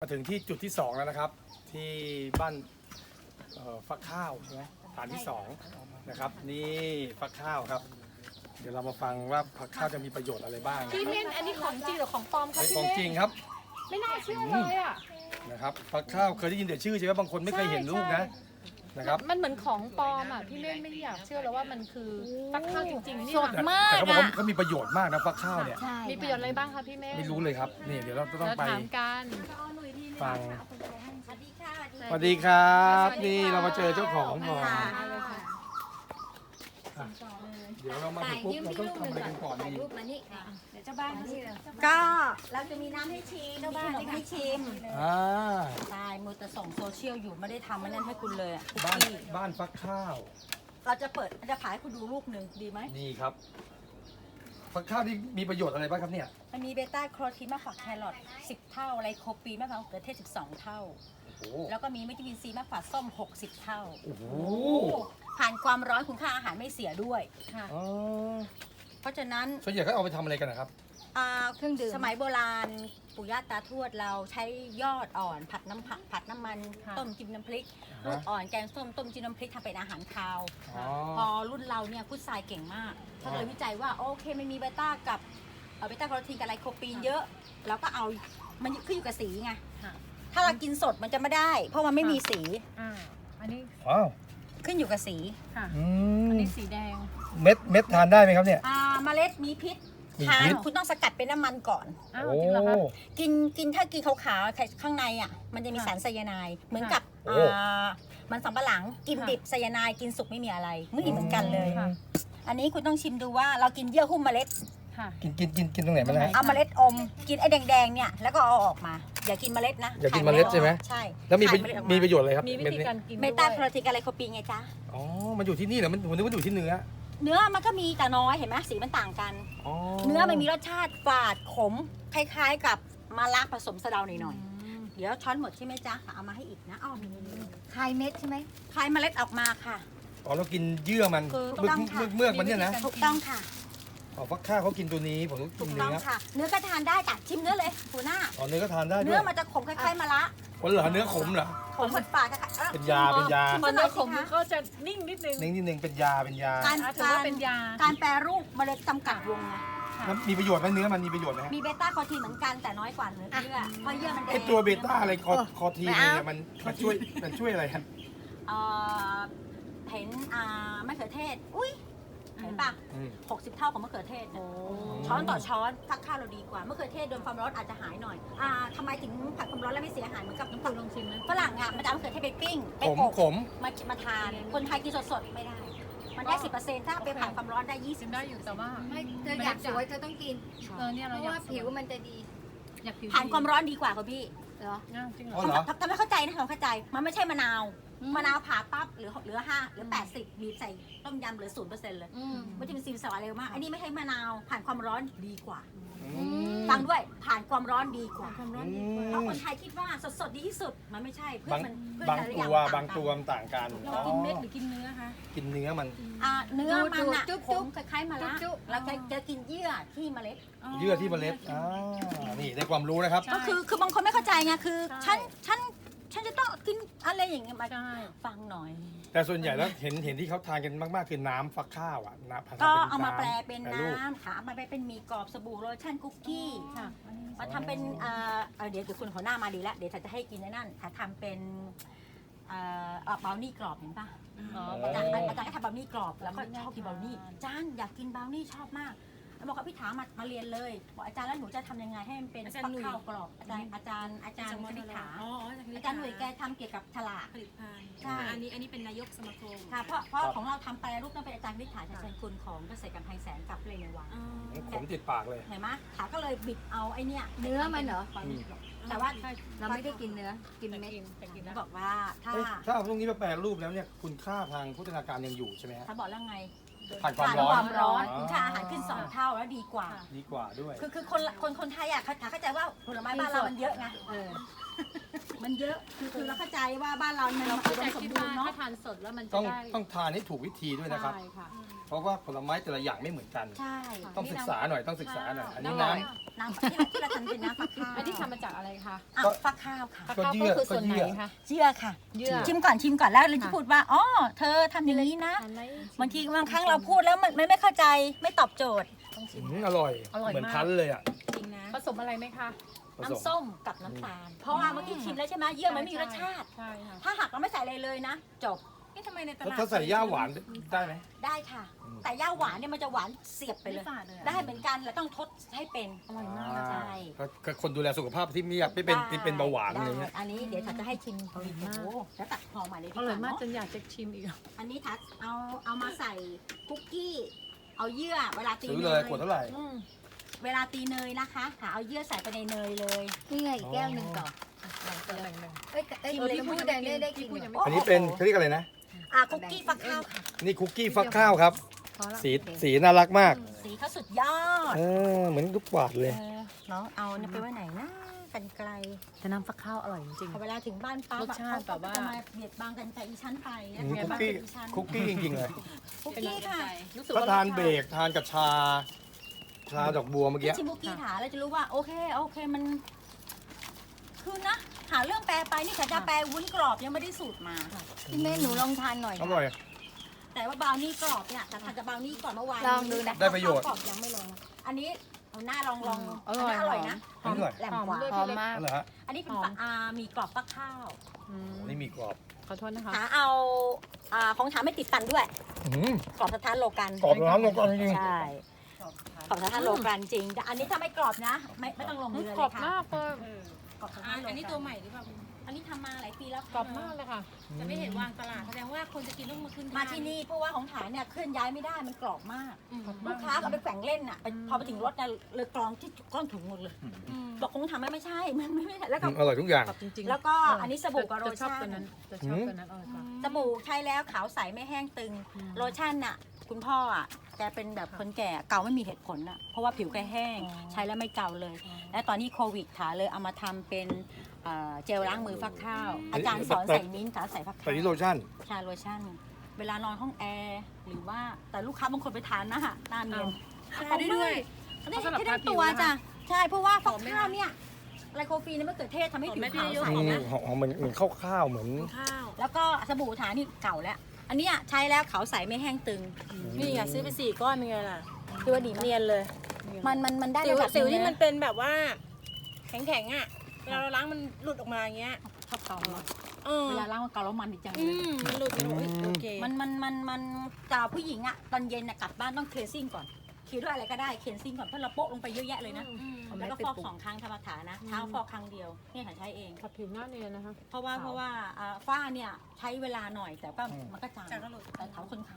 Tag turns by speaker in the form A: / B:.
A: ถึงที่จุดที่2แล้วนะครับ ที่บ้านฟักข้าวใช่ไหมฐานที่2นะครับนี่ฟักข้าวครับ เดี๋ยวเรามาฟังว่าฟักข้าวจะมีประโยชน์อะไรบ้างนะ
B: พี่เม่นอันนี้ของจริงหรือของปลอมคะ
A: เป็น
B: พี่
A: ของ
B: เม่น
A: จริงครับ
B: ไม่น่าเชื่อเลยอ่ะ
A: นะครับฟักข้าวเคยได้ยินแต่ชื่อใช่ไหมบางคนไม่เคยเห็นลูกนะครับ
B: มันเหมือนของปลอมอ่ะพี่เม่นไม่อยากเชื่อเลยว่ามันคือฟักข้าวจริงๆนี่
C: สด
B: ค่ะ
C: มาก
A: แต่เขาบอกว่า
C: อ่ะ
A: เขามีประโยชน์มากนะฟักข้าวเนี่ย
C: ใช่
B: มีประโยชน์อะไรบ้างคะพี่เม่น
A: ไม่รู้เลยครับนี่เดี๋ยวเราต้อง
B: เรา
A: ไป
B: ถามกัน
A: ฟัง
C: สวัสดีค่ะ
A: สวัสดีครับ
B: สวัสดี
A: นี่
B: ค่ะ
A: เรามาเจอเจ้าของก่อน
B: เอาเลยค่ะ
A: เดี๋ยวเรามาถึงปุ๊บเราต้องทำอะไรกันก่อนดี
C: รูปมานี่
D: เดี๋ยวเจ้าบ้านเขาสิเลย
C: ก็เราจะมีน้ำให้ชิมมีขนมให้ชิม
A: อ่า
C: ใช่มือแต่ส่งโซเชียลอยู่ไม่ได้ทำมันนั่นให้คุณเลยอ่ะ
A: บ้าน
C: พี่
A: บ้านฟักข้าว
C: เราจะเปิดจะขายให้คุณดูลูกหนึ่งดีไหม
A: นี่ครับฟักข้าวที่มีประโยชน์อะไรบ้างครับเนี่ย
C: มันมีเบต้าแคโรทีนมากกว่าแครอท10 เท่าไลโคปีนมากกว่าเกลือเทศ12 เท่า
A: โอ้โห
C: แล้วก็มีวิตามินซีมากกว่าส้ม60 เท่า
A: โอ้โห
C: ผ่านความร้อนคุณค่าอาหารไม่เสียด้วย
B: ค่ะ
A: อ๋อ
C: เพราะฉะนั้น
A: ส่วนใหญ่เขาเอาไปทำอะไรกันนะครับ
C: เครื่องดื่มสมัยโบราณปู่ย่าตาทวดเราใช้ยอดอ่อนผัดน้ำมัน
B: ค่ะ
C: ต้มจิ้มน้ำพริก
A: อ่าฮะ
C: ลูกอ่อนแกงส้มต้มจิ้มน้ำพริกทำเป็นอาหารคาว
A: อ๋อ
C: พอรุ่นเราเนี่ยพุทรายเก่งมากเขาเลยวิจัยว่าโอเคมันมีเบต้ากับเบต้าแคโรทีนกับไลโคปีนเยอะแล้วก็เอามันขึ้นอยู่กับสีไง
B: ค่ะ
C: ถ้าเรากินสดมันจะไม่ได้ เพราะมันไม่มีสี
B: อันนี้
A: ว้าว
C: ขึ้นอยู่กับสี
B: ค่ะ
A: อื
B: อัน
A: ม
B: นี้สีแดง
A: เม็ดทานได้ไหมครับเนี่ย
C: เมล็ดมีพิษ
A: มี
C: ทาน
A: พิษ
C: คุณต้องสกัดเป็นน้ำมันก่อน
B: อ้าว
A: โอ้
B: จริงเหรอคะ
C: กินถ้ากินขาวๆข้างในอ่ะมันจะมี
B: ค่ะ
C: สารไซยาไนด์เหมือนกับ
A: โอ้
C: มันสำปะหลังกิน
B: ค่ะ
C: ดิบไซยาไนด์กินสุกไม่มีอะไรไม่เหมือนกันเลย
B: ค่ะ
C: อันนี้คุณต้องชิมดูว่าเรากินเยื่อหุ้มเมล็ด
B: ค่ะ
A: กินตรงไหนมานะ
C: เอาเมล็ดอม กินไอ้แดงๆเนี่ยแล้วก็เอาออกมา อย่ากินเมล็ดนะ
A: อย่ากินเมล็ดใช่ไหม
C: ใช่
A: แล้วมี
C: ขายเล็ดออกา
A: มีประโยชน์อะไรครับ
B: มีวิ
A: เม็ด
B: ธี
A: นี้
B: การกิน
C: เบต้าแคโรทีนกับไลโคปีนไงจ๊ะ
A: อ๋อมันอยู่ที่นี่เหรอมันนึกว่าอยู่ที่เนื้อ
C: เนื้อมันก็มีแต่น้อยเห็นไหมสีมันต่างกัน
A: อ๋อ
C: เนื้อมันมีรสชาติฝาดขมคล้ายๆกับมะระผสมสะเดาหน่อย
B: อืม
C: ๆเดี๋ยวช้อนหมดใช่ไหมจ๊ะเอามาให้อีกนะอ้อมี
D: คลายเม็ดใช่ไหม
C: คลายเมล็ดออกมาค่ะ
A: อ๋อเรากินเยื่อมัน
C: คือ
A: เมือก
C: ต้องค่ะ
A: เมือกมันเนี่ยนะ
C: ถูกต้องค่ะ
A: อ๋อฟักข้าวเขากินตัวนี้ผมต้อง
C: ถู
A: กิน
C: กต้
A: เนื้
C: อง
A: อ
C: ค่ะ เนื้อก็ทานได้จ้ะชิมเนื้อเลยหัวหน้า
A: อ๋อเนื้อก็ทานได้ด้
C: เนื้
A: ว
C: อย มันจะขมคล้ายๆมะระ
A: วันเหรอเนื้อขมเหรอ
C: ขมฝาดๆค่ะ
A: เป็นยาเป็นยา
C: ชิม
B: พอ
C: หน่
B: เนื้
C: อ
B: อย ข
C: สิ
B: ม
C: คะ
B: ก็จะนิ่งนิดนึง
A: นิดนึงเป็นยา
C: การ
B: ถือว่าเป็นยา
C: การแปรรูปเมล็ดจำกัดวงไง
A: แล้วมีประโยชน์ไหมเนื้อมันมีประโยชน์ไหมฮะ
C: มีเบต้าแคโรทีนเหมือนกันแต่น้อยกว่าเนื้อเยื่อเพราะเยื่อมันแด
A: ไอง ตัวเบต้าอะไรคอทีนเนี่ยมันช่วยอะไรครับ
C: เอ่อเห็นมะเขือเทศอุ้ยเห็นปะ
A: อืม
C: 60 เท่าของมะเขือเทศนะช้อนต่อช้อนฟักข้าวเราดีกว่ามะเขือเทศโดนความร้อนอาจจะหายหน่อยทำไมถึงผัดความร้อนแล้วไม่เสียหายเหมือนกับ
B: น้ำปูลองชิมนะ
C: ฝรั่งอ่ะมันจะเอามะเขือเทศไปปิ้งไป
A: ขม
C: อบ
A: ขม
C: มาทานคนไทยกินสดๆไม่ได้ มันได้ 10%ถ้าไปผ่านความร้อนได้
B: ชิมได้อยู่แต่ว่า
D: ไม่เธออยากสวยเธอต้องกิน
B: เนี่ย
D: เพ
B: เรา
D: ราะ
B: อยา
D: ว่าก ผิวมันจะดี
B: อยากผิว
C: ผ่านความร้อนดีกว่าค่ะพี่
D: เหรอ
B: อ้าวจริงเหร
A: อ๋
B: อ
A: อเหรอ
C: ทำไม่เข้าใจนะทำเข้าใจ มันไม่ใช่มะนาว มะนาวผ่าปั๊บเหลือ5เหลือ80บีบใส่ต้มยำเหลือ0%เลย
D: อืม
C: วิตามินซีสารเร็วมาก อันนี้ไม่ใช่มะนาว ผ่านความร้อนดีกว่า
A: อืม
C: ฟังด้วย ผ่านความร้อนดีกว่า
D: ความร้อน
A: อื
D: ดีกว่า
C: เพราะ
A: ม
C: คนไทยคิดว่าสดๆดีที่สุด มันไม่ใช่ เพื่
A: บาง
C: มันเพื่
A: บาง
C: แต่ละ
A: ตั
C: อย่
A: ว
C: มัน
A: บางตัวมันต่างกัน
B: เรากินเม็ดหรือกินเนื้อคะ
A: กินเนื้อมัน
C: เนื้อมันอะ
D: จุ๊บ
C: ข
D: จุ๊
C: ม
D: บ
C: คล้ายๆมะระ
D: จุ๊บ
C: แล้วจะกินเยื่อที่เมล็ด
A: เยื่อที่เมล็ดนี่ได้ความรู้นะครับ
B: ใช่
C: ก็คือบางคนไม่เข้าใจไง คือ
B: ใช่
C: ฉันจะต้องกินอะไรอย่างเงี้ยมา
B: ใช่
C: ฟังหน่อย
A: แต่ส่วนใหญ่แล้วเห็นที่เขาทานกันมากๆคือน้ำฟักข้าวอ่ะน้ำภษ
C: ก็
A: ป็น
C: เอามา
A: ำ
C: แปลเป็น
A: แปรรูป
C: น้ำค่ะเอามาแปลเป็นหมี่กรอบสบู่โลชั่นคุกกี้
B: ค่ะ
C: มาทำเป็นเดี๋ยวคุณหัวหน้ามาดีแล้ว เดี๋ยวฉันจะให้กินในนั่นค่ะทำเป็นบราวนี่กรอบเห็นปะ
B: อ๋อ
C: อาจารย์ให้ทำบราวนี่กรอบแล้วก็ชอบกินบราวนี่อาจารย์อยากกินบราวนี่ชอบมากแล้วบอกกับพี่ถามาเรียนเลยบอกอาจารย์แล้วหนูจะทำยังไงให้มันเป็น
B: อาจารย์
C: ฟัก
B: หนุ่ย
C: ข้าวกรอบอาจารย์คณิษฐา
D: อ๋อ
C: อาจารย์หนุ่ยแกทำเกี่ยวกับฉลาก
D: ผลิตภัณฑ์
C: ใช่
D: อันนี้เป็นนายกสมาคม
C: ค่ะเพราะของเราทำแปรรูปต้องเป็นอาจารย์คณิษฐาชัยเชนคุณของเกษตรกรรมไทยแสนกับเลยในวัง
A: ขมติดปากเลย
C: เห็นไหมถาก็เลยบิดเอาไอ้เนี่ย
D: เนื้อมันเหรอ
C: แต่ว่า
D: เราไม่ได้กินเนื้อ กินเม็ด
B: แต่กิน
C: เขา
B: นะ
C: บอกว่าถ้า
A: เอ้ยถ้าเอาพวกนี้มาแปรรูปแล้วเนี่ยคุณค่าทางโภชนาการยังอยู่ใช่ไหมฮะ
C: เขาบอกแล้วไง
A: ผ่านความ
C: ผ่าน
A: ร้อ
C: คน วามร้อน
A: อ๋อ
C: คุณค่าอาหารขึ้น2 เท่าแล้วดีกว่า
A: ดีกว่าด้วย
C: คือคนไทยอ่ะเขาเข้าใจว่าผลไม้บ้านเรามันเยอะไง
D: เออ
C: มันเยอะคือเราเข้าใจว่าบ้านเรามัน
B: เรา
C: อุ
B: เข้า
C: ด
B: ใจ
C: มสม
B: คิด
C: บู
B: ว่าร
C: ณ์เนาะ
B: ถ้าทานสดแล้วมันจะ
A: ต้อง
B: ได้
A: ต้องทานให้ถูกวิธีด้วยนะครับ
B: ใช่ค่ะ
A: เพราะว่าผลไม้แต่ละอย่างไม่เหมือนกัน
C: ใช่
A: ต้องศึกษาหน่อยต้องศึกษาหน่อยอันนี้
B: อ
A: น้
B: ร่อย
C: น้ำที่เราทำเป็นน้ำฟักข้าว
B: อันที่ทำมาจากอะไรคะ
C: อ่ะฟักข้าวค่ะ
B: ฟักข้าวก็คือส่วนไหนคะ
C: เยื่อค่ะ
B: เยื่อ
C: ชิมก่อนแล้วเราจะพูดว่าอ๋อเธอทำอย่างนี้นะ
B: ทานไหม
C: บางทีบางครั้งเราพูดแล้วมันไม่เข้าใจไม่ตอบโจทย์
B: ต้องชิม
A: อร่อย
B: อร่อยมาก
A: เหมือนพันธุ์เลยอ่ะ
C: จริงนะ
B: ผสมอะไรไหมคะ
A: ผสม
C: น้ำส้มกับน้ำตาล เพราะว่าเมื่อกี้ชิมแล้วใช่ไหมเยื่อมันไม่มีรสชาติ
B: ใช่ค่ะ
C: ถ้าหากเราไม่ใส่อะไรเลยนะ จบ
D: ทำไมในต
A: แล้ว
D: ลาด
A: ถ้าใส่ย่าหวานได้ไหม
C: ได้ค่ะ แต่ย่าหวานเนี่ยมันจะหวานเสียบไปเลย
D: ไม่ฝาดเลยอะ
C: ได้เหมือนกันเราต้องทดให้เป็น
B: อร่อยมาก
C: ใช่
A: ก็คนดูแลสุขภาพที่ไม่อยากไม่เป็นที่เป็นเบาหวานอะไรเงี้ย
C: ได้อันนี้เดี๋ยวฉันจะให้ชิม
B: อร่อยมาก
C: โอ้โหแล้วตัดห่อใหม่เลยดี
B: อก ร่อย
C: ว่า
B: มาก
C: เนาะ
B: จนอยากจะชิมอีก
C: อันนี้ทัดเอามาใส่คุกกี้ เอาเยื่อเวลาตี
A: ซื้อ
C: เน
A: เลย
C: ย
A: ขวดเท่าไหร่
B: อืม
C: เวลาตีเนยนะคะหาเอาเยื่อใส่ไปในเนยเลย
D: นี่ไงอีกแก้วหนึ่งต่อ
B: แบ่ง
D: เอ้ยเอ้ย
B: ชิมเลย
D: พี่พูด
B: พี่
D: ได้
B: พูด
D: ได้
B: พี่
D: กิน
B: พูด
D: เหร
B: ยัง
D: อ
B: ไม่
A: อันนี้เป็นเขาเรียกอะไรนะ
C: คุกกี้ฟักข้าวค่ะ
A: นี่คุกกี้ฟักข้าวครับ
B: พอละ
A: สีน่ารักมาก
C: สีเขาสุดยอด
A: เหมือนลูกกวาดเลย
C: น้องเอาเนี่ยไปไว้ไหนนะกันไกล
B: แต่น้ำฟักข้าวอร่อยจริง
C: พอเวลาถึงบ้านป้าร
B: สชาติแบบว่า
C: จะมาเบียดบังกันแต่อีชั้นไปนะ
A: อืม
C: เบียดบัง
A: คุกกี้
C: กันอีชั้น
A: คุกกี้จริงๆเลย
C: คุกกี้ค่ะ
B: รู้สึก
A: ถ้า
B: ว่า
A: ทานเบรกทานกับชาดอกบัวเมื่อกี้
C: ชิมคุกกี้ถาเราจะรู้ว่าโอเคมันคือนะ หาเรื่องแปลไปนี่ฉันจะแปลวุ้นกรอบยังไม่ได้สูตรมา
D: พี่เมย์หนูลองทานหน่อย
A: อร่อย
C: แต่ว่าบราวนี่กรอบเนี่ยแต่ทานกับบราวนี่ก่อนเมื่อวาน
D: ลองดูนะ
A: ได้ประโยชน์
C: กรอบยังไม่ลง อันนี้เอาหน้าลอง
B: อร่อย
C: นนี้อร่อยนะ
A: อร่อย
C: แหลมกว่า
B: หอมด้วย
D: หอมมาก
A: นั่นแหละฮะ
C: อันนี้เป็น
B: หอม
C: มีกรอบฟักข้าว
B: อืม
A: นี่มีกรอบ
B: ขอโทษนะคะ
C: หาเอาของถามไม่ติดฟันด้วย
A: อื้อ
C: กรอบสถานโลกัน
A: กรอบร้อนลงก่อนจริง
C: ใช่กรอบสถานโลกันจริงแต่อันนี้ถ้าไม่กรอบนะ ไม่ต้องลงเรือ
B: ก
C: เล
B: รอบ
C: ยค่ะ
B: มากเลย
C: กรอบสถานโลกัน
D: อันนี้ตัวใหม่หรือเปล่า
C: อันนี้ทำมาหลายปีแล้วค่ะ
B: กรอบมากเลยค่ะ
D: จะไม่เห็นวางตลาดแสดงว่าคนจะกินต้องมาขึ้น
C: มาที่นี่เพราะว่าของฐานเนี่ยเคลื่อนย้ายไม่ได้มันกรอบมาก
B: กรอบ
C: ลู
B: มาก
C: กค้าเอาไปแฝงเล่นอ่ะพอไปถึงรถเนี่ยเลยกรองที่ก้อนถุงหมดเลยบอกคงทำไม่ใช่ มันไม่ใช่แล้วก็
A: อร่อยทุกอย่าง
B: กรอบจริงๆ
C: แล้วก็อันนี้สบู่กับโล
B: จะชอบ
C: ชั่
B: ตัวน นั้นจะชอบตัวนั้นอร่อยกว่า
C: สบู่ใช้แล้วขาวใสไม่แห้งตึง โลชั่นน่ะคุณพ่ออ่ะแกเป็นแบบคนแก่เกาไม่มีเหตุผลอ่ะเพราะว่าผิวแกแห้ง ใช้แล้วไม่เกาเลย และตอนนี้โควิดขาเลยเอามาทำเป็นเจลล้างมือฟักข้าว อาจารย์สอนใส่มิ้นท์กับใส่ฟัก
A: แต่
C: ข้าว
A: นี่โลชั่น
C: ชาโลชั่น เวลานอนห้องแอร์หรือว่าแต่ลูกค้าบางคนไปทานนะฮะหน้าเนียน
D: ทานได้ด้วย
C: ได้
B: สำหรับ
C: ได้
B: ทาผิว
C: ตัว
B: นะคะ
C: จ้ะใช่เพราะว่าฟักข้าวเนี่ยไลโคฟีนมะเขือเทศทำให้ผิวขาวใส
A: หอมเหมือนข้าวเหมือน
D: ข้าว
C: แล้วก็สบู่ฐานนี่เก่าแล้ว อันเนี้ยใช้แล้วขาวใสไม่แห้งตึง
E: นี่ไงซื้อไป4 ก้อนเป็นไงล่ะ
C: คือว่าดีมาก
E: เนียนเลย
C: มันได้
E: สิว
C: ระดับ
E: สิว
C: หง
E: ที่
C: เลยะ
E: มันเป็นแบบว่า แข็งๆอ่ะเวลาเราล้างมันหลุดออกมาอย่างเงี้ย
C: ชอบเกาเนอะ
E: เออ
C: เวลาล้างมันเกาแล้วมันดีจังเล
E: อื
C: ย
E: มมันหลุดมันโอเค
C: มันแต่ผู้หญิงอะตอนเย็นอะกลับบ้านต้องเคลียร์ซิ่งก่อนเคลียร์ด้วยอะไรก็ได้เคลียร์ซิ่งก่อนเพราะเราโปะลงไปเยอะแยะเลยนะ แล้วก็ฟอก2 ครั้งธรรมฐานนะเช้าฟอกครั้งเดียวเนี่ยฉันใช้เอง
B: ขับผิวหน้าเนียนนะคะ
C: เพราะว่าฝ้าเนี่ยใช้เวลาหน่อยแต่ก็มันก็จาง
D: จากก็หลุด
C: แต่เขาคน